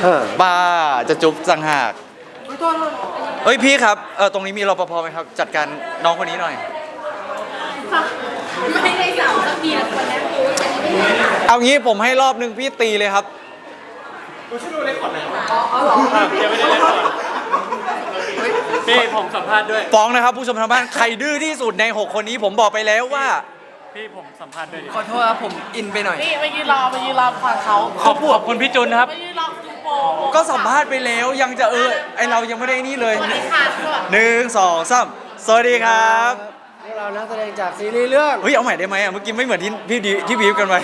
บ้าจะจุ๊บจังหากเฮ้ยพี่ครับตรงนี้มีรปภไหมครับจัดการน้องคนนี้หน่อยไม่ได้สาวสักทีละคนนะเอางี้ผมให้รอบนึงพี่ตีเลยครับช่วยดูเลคคอร์ดหน่อยยังไม่ได้เลคคอร์ดพี่ผมสัมภาษณ์ด้วยฟ้องนะครับผู้ชมทางบ้านใครดื้อที่สุดใน6คนนี้ผมบอกไปแล้วว่าพี่ผมสัมภาษณ์ด้วยขอโทษครับผมอินไปหน่อยนี่ไปยืนรอฟังเขาขอบคุณพี่จุนครับไปยืนรอดูโปก็สัมภาษณ์ไปแล้วยังจะไอเรายังไม่ได้นี่เลยสวัสดีค่ะ 1 2 3สวัสดีครับพวกเรานักแสดงจากซีรีส์เรื่องเฮ้ยเอาใหม่ได้ไหมเมื่อกี้ไม่เหมือนที่บีฟกันไป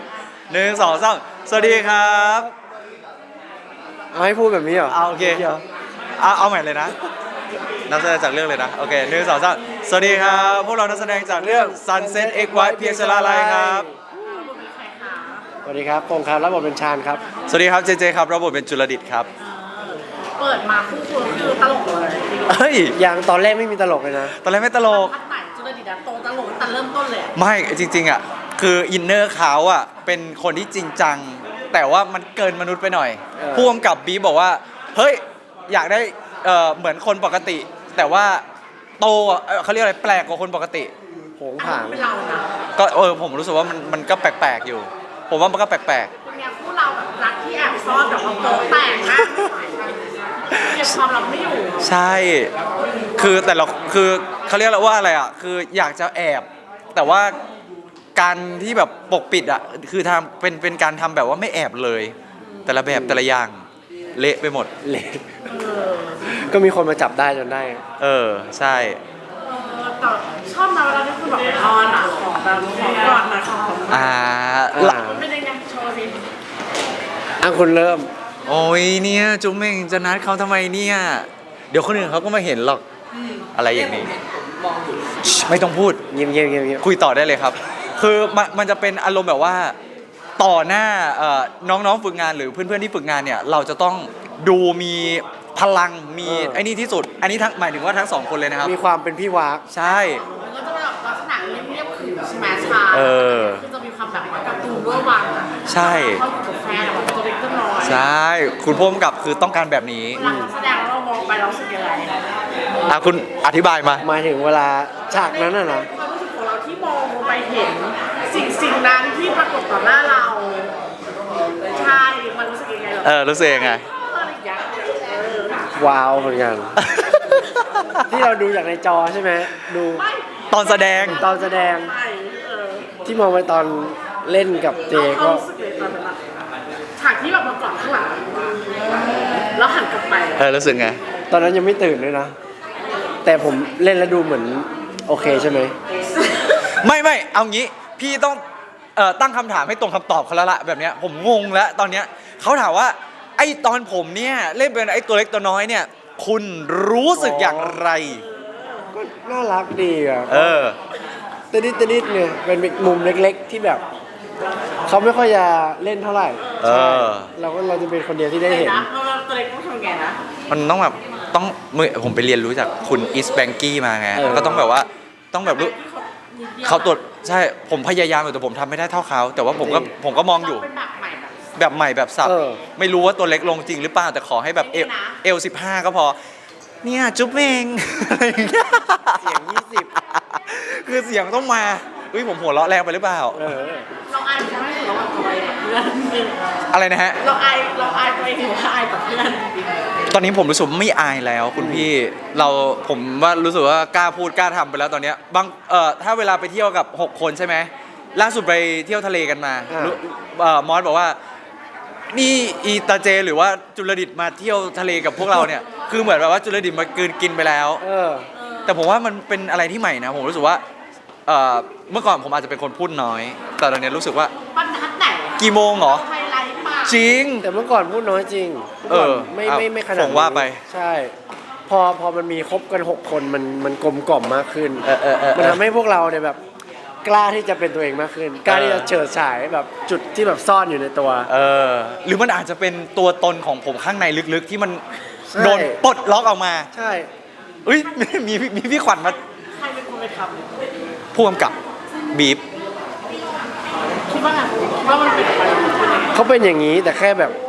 1 2 3สวัสดีครับเอาให้พูดแบบนี้เหรอเอาโอเคเอาใหม่เลยนะนักแสดงจากเรื่องเลยนะโอเค1 2 3สวัสดีครับพวกเรานักแสดงจากเรื่อง Sunset X White เพียงชลาลัยครับสวัสดีครับปงครับรับบทเป็นชาญครับสวัสดีครับเจครับรับบทเป็นจุลดิษฐ์ครับเปิดมาคู่คือตลกเลยเฮ้ยอย่างตอนแรกไม่มีตลกเลยนะตอนแรกไม่ตลกพัดใหม่จุลดิษฐ์โตตลกแต่เริ่มต้นเลยไม่จริงๆอ่ะคืออินเนอร์เขาอ่ะเป็นคนที่จริงจังแต่ว่ามันเกินมนุษย์ไปหน่อยผู้กำกับบีบอกว่าเฮ้ยอยากได้เหมือนคนปกติแต่ว่าโตเขาเรียกอะไรแปลกกว่าคนปกติโผงผางเป็นเรานะก็ผมรู้สึกว่ามันก็แปลกๆอยู่ผมว่ามันก็แปลกเป็นไงคู่เราแบบรักที่แอบซ่อนแบบว่าโตแตกมากเก็บความลับไม่อยู่ใช่คือแต่เราคือเขาเรียกว่าอะไรอ่ะคืออยากจะแอบแต่ว่าการที่แบบปกปิดอ่ะคือทำเป็นการทำแบบว่าไม่แอบเลยแต่ละแบบแต่ละอย่างเละไปหมดเละก็มีคนมาจับได้จนได้ใช่แต่ชอบนะเวลาที่คุณแบบนอนอ่ะของแบบของก่อนนะของเป็นยังไงโชว์สิคุณเริ่มโอ้ยเนี่ยจุ๊มเองจะนัดเขาทำไมเนี่ยเดี๋ยวคนอื่นเขาก็มาเห็นหรอกอะไรอย่างนี้ไม่ต้องพูดเงียบคุยต่อได้เลยครับคือมันจะเป็นอารมณ์แบบว่าต่อหน้าน้องๆฝึกงานหรือเพื่อนๆที่ฝึกงานเนี่ยเราจะต้องดูมีพลังมีไอ้นี่ที่สุดอันนี้ทั้งหมายถึงว่าทั้ง2คนเลยนะครับมีความเป็นพี่วากใช่มันก็จะแบบลักษณะเรียบๆคือใช่ไหมชาคือจะมีความแบบการ์ตูนด้วยวังใช่เขาอยู่กับแฟนแบบตัวเล็กตัวน้อยใช่คุณพ่วงกับคือต้องการแบบนี้เวลาแสดงแล้วเรามองไปเราสึกยังไงคุณอธิบายมาหมายถึงเวลาฉากนั้นน่ะนะความรู้สึกของเราที่มองไปเห็นสิ่งนั้นที่ปรากฏต่อหน้าเราใช่มันรู้สึกยังไงรู้สึกยังไงว้าวเหมือนกันที่เราดูจากในจอใช่ไหมดูตอนแสดงที่มองไปตอนเล่นกับเจก็ฉากที่แบบมากอดข้างหลังแล้วหันกลับไปรู้สึกไงตอนนั้นยังไม่ตื่นเลยนะแต่ผมเล่นแล้วดูเหมือนโอเคใช่ไหมไม่เอางี้พี่ต้องตั้งคำถามให้ตรงคำตอบเขาแล้วละแบบเนี้ยผมงงแล้วตอนเนี้ยเขาถามว่าไอ้ตอนผมเนี่ยเล่นเป็นไอ้ตัวเล็กตัวน้อยเนี่ยคุณรู้สึกอย่างไรก็น่ารักดีอ่ะตนิดเนี่ยเป็นมุมเล็กๆที่แบบเขาไม่ค่อยจะเล่นเท่าไหร่เราจะเป็นคนเดียวที่ได้เห็นตัวเล็กต้องทำไงนะมันต้องแบบผมไปเรียนรู้จากคุณอิสแบงกี้มาไงก็ต้องแบบว่าต้องแบบรู้เขาตัวใช่ผมพยายามอยู่แต่ผมทำไม่ได้เท่าเขาแต่ว่าผมก็มองอยู่แบบใหม่แบบสับไม่รู้ว่าตัวเล็กลงจริงหรือเปล่าแต่ขอให้แบบเอล15ก็พอเนี่ยจุ๊บเองเสียง 20คือเสียงต้องมาผมหัวเราะแรงไปหรือเปล่าเราอายใช่ไหมเราอายตัวเองกับเพื่อนอะไรนะฮะเราอายตัวเองหรือว่าอายกับเพื่อนตอนนี้ผมรู้สึกไม่อายแล้วคุณพี่ผมว่ารู้สึกว่ากล้าพูดกล้าทำไปแล้วตอนนี้บางถ้าเวลาไปเที่ยวกับ6คนใช่ไหมล่าสุดไปเที่ยวทะเลกันมามอสบอกว่านี่อีตาเจหรือว่าจุลดิษฐ์มาเที่ยวทะเลกับพวกเราเนี่ยคือเหมือนแบบว่าจุลดิษฐ์มากินไปแล้วแต่ผมว่ามันเป็นอะไรที่ใหม่นะผมรู้สึกว่าเมื่อก่อนผมอาจจะเป็นคนพูดน้อยแต่ตอนนี้รู้สึกว่าบรรทัดไหนกี่โมงเหรอจริงแต่เมื่อก่อนพูดน้อยจริงไม่ขนาดผมว่าไปใช่พอมันมีครบกัน6คนมันกลมกล่อมมากขึ้นมันทำให้พวกเราเนี่ยแบบกล้าที่จะเป็นตัวเองมากขึ้นกล้าที่จะเฉิดฉายแบบจุดที่แบบซ่อนอยู่ในตัวหรือมันอาจจะเป็นตัวตนของผมข้างในลึกๆที่มันโดนปลดล็อกออกมาใช่มีพี่ขวัญมาใครเป็นคนไปทำผู้กำกับบีฟคิดว่าไงว่ามันเป็นอะไรเขาเป็นอย่างนี้แต่แค่แบบ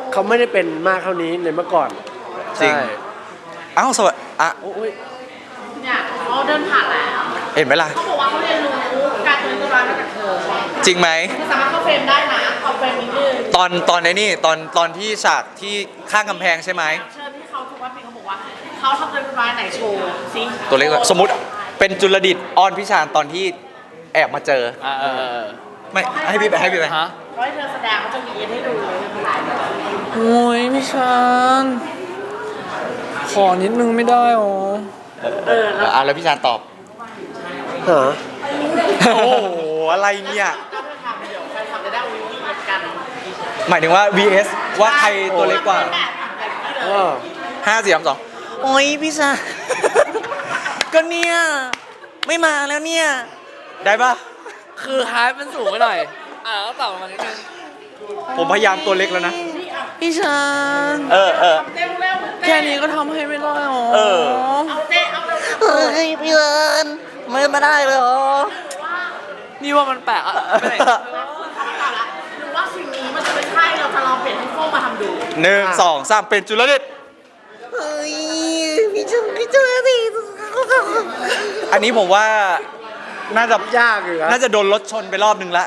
เขาไม่ได้เป็นมากเท่านี้ในเมื่อก่อนจริงใช่เอ้าสวัสดีอ่ะโอ้ยเนี่ยเขาเดินผ่านแล้วเห็นไหมล่ะเขาบอกว่าเขาเรียนรู้การเป็นตัวร้ายมาจากเธอจริงไหมคือสามารถเข้าเฟรมได้นะเอาเฟรมนิดนึงตอนในนี่ตอนที่ฉากที่ข้างกำแพงใช่ไหมเชิญที่เขาทุกวันปีเขาบอกว่าเขาทำตัวร้ายไหนโชว์ซิตัวเล็กสมมติเป็นจุลดิตออนพิชานตอนที่แอบมาเจอ ไม่ให้พี่ไปให้พี่ไปฮะเขาให้เธอแสดงเขาจะมีให้ดูเลยเป็นไรโอ้ยพี่ชานขอนิดนึงไม่ได้หรอแล้วพี่ชานตอบหาโอ้โหอะไรเนี่ยก็เธอทำเดี๋ยวใครทำจะได้วิ่งกันหมายถึงว่า vs ว่าใครตัวเล็กกว่าเออ 5 4 3 2โอ้ยพี่ชาน ก็เนี่ยไม่มาแล้วเนี่ย ได้ปะคือฮาร์ดมันสูงไปหน่อยก็ต่ำลงมานิดนึงผมพยายามตัวเล็กแล้วนะพี่ชานเออเร็วเร็วแค่นี้ก็ทำให้ไม่ได้หรอเออเอาเต้เอาเร็วเฮ้ยพี่เอิญไม่ได้เลยเหรอนี่ว่ามันแปลกอะไม่ได้เข้ามาก่อนละหรือว่าสิ่งนี้มันจะไม่ใช่เราจะลองเปลี่ยนให้โฟมาทำดู 1 2 3เป็นจุลดิตเฮ้ยพี่จุลดิตอันนี้ผมว่าน่าจะยากอยู่นะน่าจะโดนรถชนไปรอบนึงละ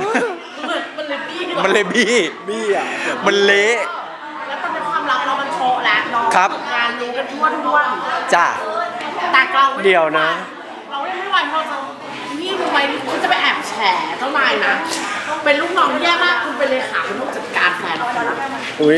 มันเลยบี้มันเลยบี้บี้อ่ะมันเละแล้วมันเป็นความลับเรามันโชว์แล้วน้องครับงานรู้กันทั่วจ้าแต่เราเดี๋ยวนะเราไม่ไหวเพราะเรานี่รู้ไหมคุณจะไปแอบแฉเจ้านายนะ เป็นลูกน้องแย่มากคุณเป็นเลขาคุณต้องจัดการแฟนคุณนะอุ้ย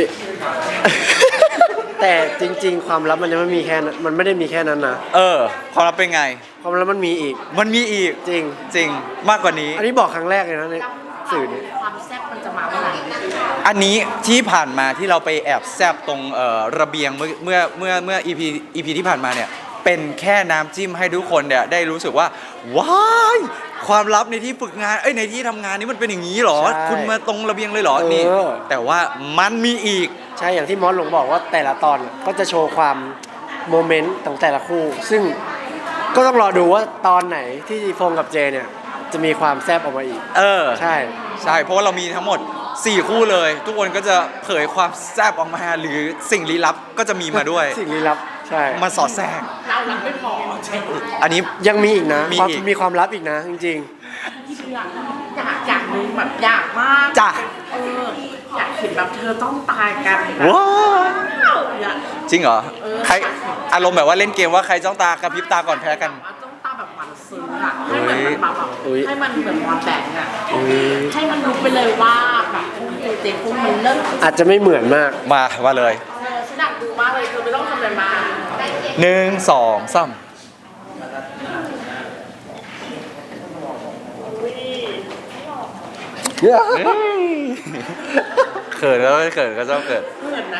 แต่จริง ๆ ความลับมันยังไม่มีแค่นั้นมันไม่ได้มีแค่นั้นนะความลับเป็นไงความลับมันมีอีกมันมีอีกจริงจริงมากกว่านี้อันนี้บอกครั้งแรกเลยนะในสื่อนี้ความแซ่บมันจะมาเมื่อไหร่อันนี้ที่ผ่านมาที่เราไปแอบแซบตรงระเบียงเมื่อ EP ที่ผ่านมาเนี่ย เป็นแค่น้ำจิ้มให้ทุกคนเนี่ยได้รู้สึกว่า ว้ายความลับในที่ฝึกงานในที่ทำงานนี้มันเป็นอย่างนี้เหรอใช่คุณมาตรงระเบียงเลยเหรอเออนี่ แต่ว่ามันมีอีกใช่อย่างที่มอสหลงบอกว่าแต่ละตอนก็จะโชว์ความโมเมนต์ของแต่ละคู่ ซึ่งก็ต้องรอดูว่าตอนไหนที่ฟงกับเจเนี่ยจะมีความแซบออกมาอีก ใช่ใช่ เพราะว่าเรามีทั้งหมด 4 คู่เลย ทุกคนก็จะเผยความแซบออกมา หรือสิ่งลี้ลับก็จะมีมาด้วยสิ่งลี้ลับใช่มาสอดแทรกเรารับไม่พออันนี้ยังมีอีกนะมีความอีกมีความลับอีกนะจริงอยากนึงแบบอยากมากจ้ะอยากเห็นแบบเธอต้องตายกันว้าวอยากจริงเหรอ ใครอารมณ์แบบว่าเล่นเกมว่าใครจ้องตากระพริบตาก่อนแพ้กันว่าต้องตาแบบหมันซึ้งอะให้เหมือนมันมาแบบให้มันเหมือนมอนแบงอะ ให้มันรู้ไปเลยว่าแบบพวกยูเจพวกมันเริ่มๆ อาจจะไม่เหมือนมากมาเลยฉันอยากดูมากเลยคือไม่ต้องทำอะไรมาก 1 2 3 เขินแล้วไม่เขินก็ชอบเขินเหมือนนะ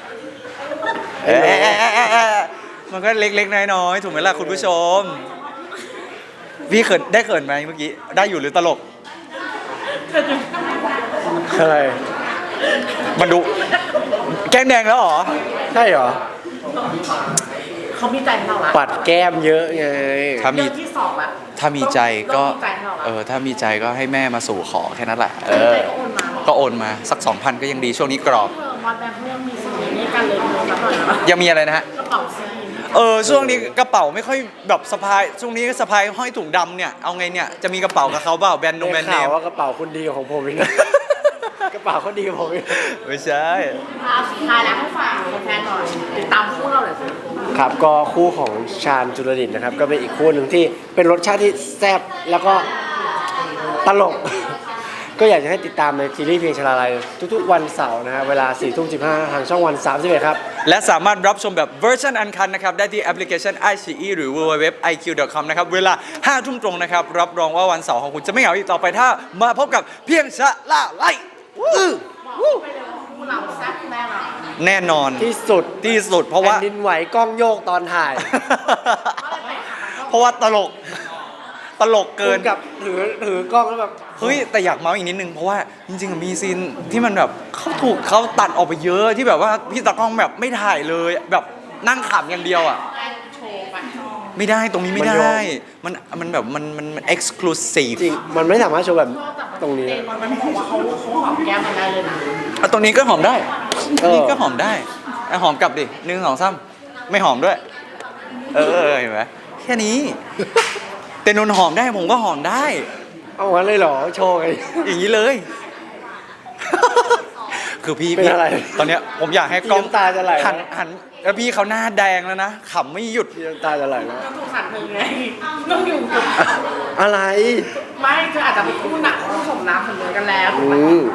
มันก็เล็กๆน้อยๆถูกไหมล่ะคุณผู้ชม พี่เขินได้เขินไหมเมื่อกี้ ได้อยู่หรือตลกอะไรมันดูแก้มแดงแล้วเหรอใช่เหรอเขามีใจให้เราละปัดแก้มเยอะไงถ้ามีเรื่องที่สองละถ้ามีใจก็เริ่มมีใจให้เราละถ้ามีใจก็ให้แม่มาสู่ขอแค่นั้นแหละใจก็โอนมาก็โอนมาสัก 2,000 ก็ยังดีช่วงนี้กรอบเธอมอนแบงค์เขายังมีสิ่งนี้ให้กันเลยดูสักหน่อยนะยังมีอะไรนะฮะกระเป๋าซีนช่วงนี้กระเป๋าไม่ค่อยแบบสะพาย ช่วงนี้สะพายห้อยถุงดำเนี่ย เอาไงเนี่ย จะมีกระเป๋ากับเขาเปล่าแบรนด์นงแบรได้นด์เนข่าวมว่ากระเป๋าคุณดีกว่าของผมอีกนะ กระเป๋าเขาดีกว่าผมอีกไม่ใช่สุดท้ายแล้วให้ฝากแฟนๆหน่อยติดตามคู่เราหน่อยสิครับก็คู่ของชาญจุลดิตนะครับ ก็เป็นอีกคู่หนึ่งที่เป็นรสชาติที่แซ่บแล้วก็ตลก ก็อยากจะให้ติดตามในซีรีส์เพลงชลาลัยทุกๆวันเสาร์นะฮะเวลา 4:15 ทางช่องวัน 31 ครับและสามารถรับชมแบบเวอร์ชันอันคันนะครับ ได้ที่แอปพลิเคชัน iQIYI หรือ www.iq.com นะครับ เวลา 5 ทุ่มตรงนะครับ รับรองว่าวันเสาร์ของคุณจะไม่เหงาอีกต่อไปถ้ามาพบกับเพียงชะล่าไล่บอกไปเลยว่าคู่เราแซ่บแน่นอนแน่นอนที่สุดที่สุดเพราะว่าแผ่นดินไหวกล้องโยกตอนถ่ายเพราะว่าตลกเกินกับถือกล้องแล้วแบบเฮ้ยแต่อยากเมาส์อีกนิดนึงเพราะว่าจริงๆมีซีนที่มันแบบเขาตัดออกไปเยอะที่แบบว่าพี่ตากล้องแบบไม่ถ่ายเลยแบบนั่งขำอย่างเดียวอ่ะโชว์ไปไม่ได้ตรงนี้ไม่มันยอได้มมันแบบมัน exclusive จริงมันไม่สามารถโชว์แบบตรงนี้เต้นมันบอกว่าเขาหอมแก้มมันได้เลยนะเอาตรงนี้ก็หอมได้นี่ก็หอมได้อ่ะหอมกลับดิหนึ่งสองสามไม่หอมด้วย เห็นไหมแค่นี้แต่นนท์หอมได้ผมก็หอมได้เอางั้นเลยเหรอโชว์ไงอย่างนี้เลย คือพี่เป็นอะไรตอนเนี้ยผมอยากให้กล้องน้ำตาจะไหลหันแล้วพี่เขาหน้าแดงแล้วนะขำไม่หยุดพี่น้ำตาจะไหลแล้วต้องถูกขันเธอไงต้องอยู่กับอะไรไม่เธออาจจะเป็นคู่หนักคู่สมน้ำสมเนื้อกันแล้วถูกอืปะม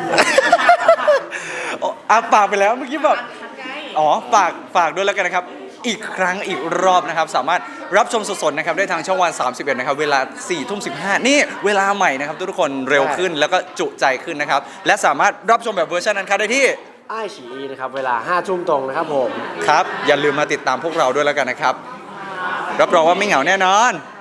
อ่ะปากไปแล้วเมื่อกี้แบบทันไงอ๋อฝากด้วยแล้วกันนะครับ อีกครั้งอีกรอบนะครับ สามารถรับชมสดๆนะครับได้ทางช่องวัน 31 นะครับ เวลา 4:15 นี่เวลาใหม่นะครับ ทุกคนเร็วขึ้นแล้วก็จุใจขึ้นนะครับ และสามารถรับชมแบบเวอร์ชันนั้นครับได้ที่ไอ้ฉีอีนะครับ เวลา5 ทุ่มตรงนะครับผมครับ อย่าลืมมาติดตามพวกเราด้วยแล้วกันนะครับ รับรองว่าไม่เหงาแน่นอน